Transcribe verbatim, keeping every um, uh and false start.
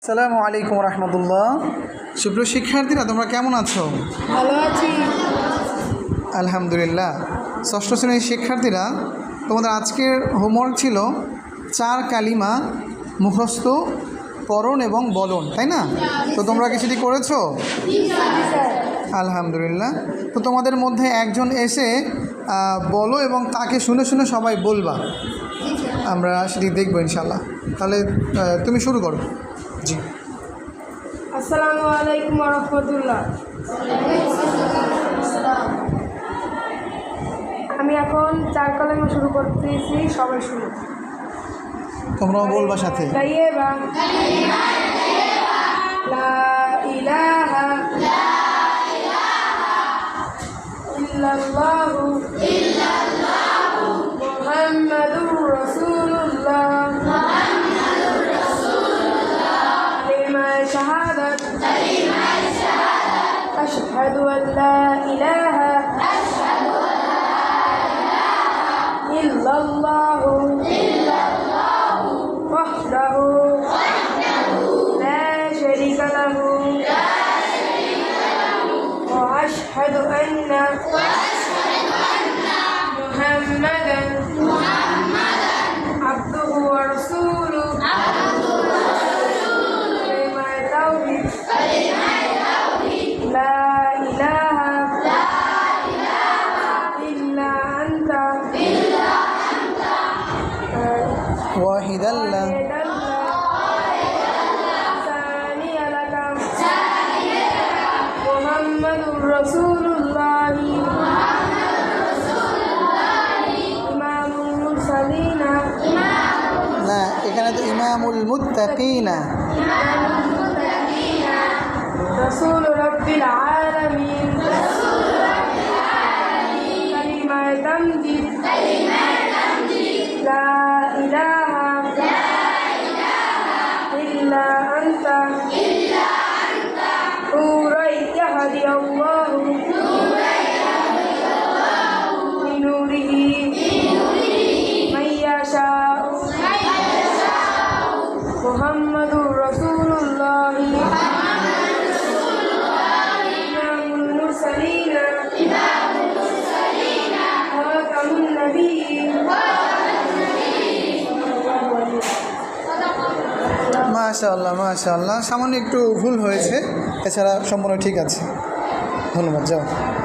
আসসালামু আলাইকুম রহমতুল্লাহ। সুপ্রিয় শিক্ষার্থীরা, তোমরা কেমন আছো? ভালো আছি আলহামদুলিল্লাহ। ষষ্ঠ শ্রেণীর শিক্ষার্থীরা, তোমাদের আজকের হোমওয়ার্ক ছিল চার কালিমা মুখস্থ পড়ন এবং বলন, তাই না? তো তোমরা কি সেটি করেছো? আলহামদুলিল্লাহ। তো তোমাদের মধ্যে একজন এসে বলো এবং তাকে শুনে শুনে সবাই বলবা, আমরা সেটি দেখবো ইনশাল্লাহ। তাহলে তুমি শুরু করো। জি। আসসালামু আলাইকুম ওয়া রাহমাতুল্লাহ। আমি এখন চার কালেমা শুরু করতেছি, সবাই শুনো। তোমরাও বলবা সাথে। তাইয়্যিবা, লা ইলাহা ইল্লাল্লাহু মুহাম্মাদুর রাসূলুল্লাহ أشهد أن لا إله إلا الله وحده لا شريك له وأشهد أن محمدا عبده ورسوله لا إله إلا أنت واحدا لا ثاني لك محمد رسول الله إمام المرسلين না, এখানে তো ইমামুল মুত্তাকিনা। رسول رب العالمين كلمة تمجد لا إله إلا أنت نورا يهدي الله بنوره من يشاء محمد رسول الله মাশাআল্লাহ মাশাআল্লাহ। সামান্য একটু ভুল হয়েছে, এছাড়া সম্পূর্ণ ঠিক আছে। ধন্যবাদ। যাও।